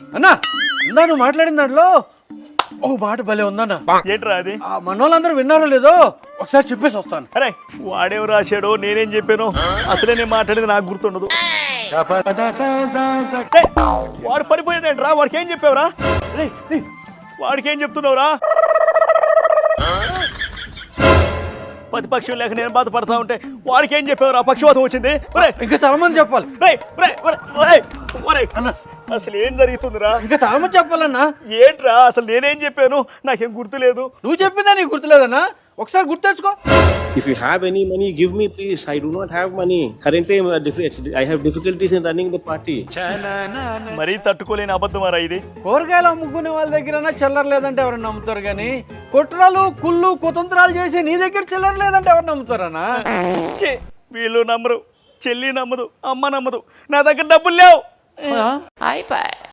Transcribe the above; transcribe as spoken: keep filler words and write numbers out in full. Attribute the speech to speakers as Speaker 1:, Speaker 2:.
Speaker 1: అన్నా ఇందా నువ్వు మాట్లాడిన దాంట్లో ఓ మాట భలే ఉందన్నా.
Speaker 2: ఏంట్రా అది?
Speaker 1: మన వాళ్ళందరూ విన్నారో లేదో ఒకసారి చెప్పేసి వస్తాను.
Speaker 2: అరే వాడేం రాశాడో నేనేం చెప్పాను అసలే నేను మాట్లాడేది నాకు గుర్తుండదు. ఏయ్, వాడు పడిపోయాడంట్రా. వాడికి ఏం చెప్పావురా? వాడికి ఏం చెప్తున్నావురా? ప్రతిపక్షం లేక నేను బాధపడతా ఉంటే వాడికి ఏం చెప్పావురా? పక్షవాతం వచ్చింది.
Speaker 1: ఇంకా చాలా మంది చెప్పాలి.
Speaker 2: అన్న అసలు ఏం జరుగుతుందిరా?
Speaker 1: ఇంకా చాలా మంది చెప్పాలన్నా.
Speaker 2: ఏంట్రా అసలు నేనేం చెప్పాను? నాకేం గుర్తులేదు.
Speaker 1: నువ్వు చెప్పిందా నీకు గుర్తులేదన్నా? ఒకసారి గుర్తు తెచ్చుకో.
Speaker 3: If you have any money, give me please. I do not have money. Currently, I have difficulties in running the party.
Speaker 2: మరీ తట్టుకోలేని అబద్ధమారా ఇది.
Speaker 1: కూరగాయలు అమ్ముకునే వాళ్ళ దగ్గర చిల్లర లేదంటే ఎవరు నమ్ముతారు కానీ కుట్రలు కుళ్ళు కుతంత్రాలు చేసి నీ దగ్గర చిల్లర లేదంటే ఎవరు నమ్ముతారన్నా?
Speaker 2: వీళ్ళు నమ్మరు, చెల్లి నమ్మదు, అమ్మ నమ్మదు. నా దగ్గర డబ్బులు లేవు.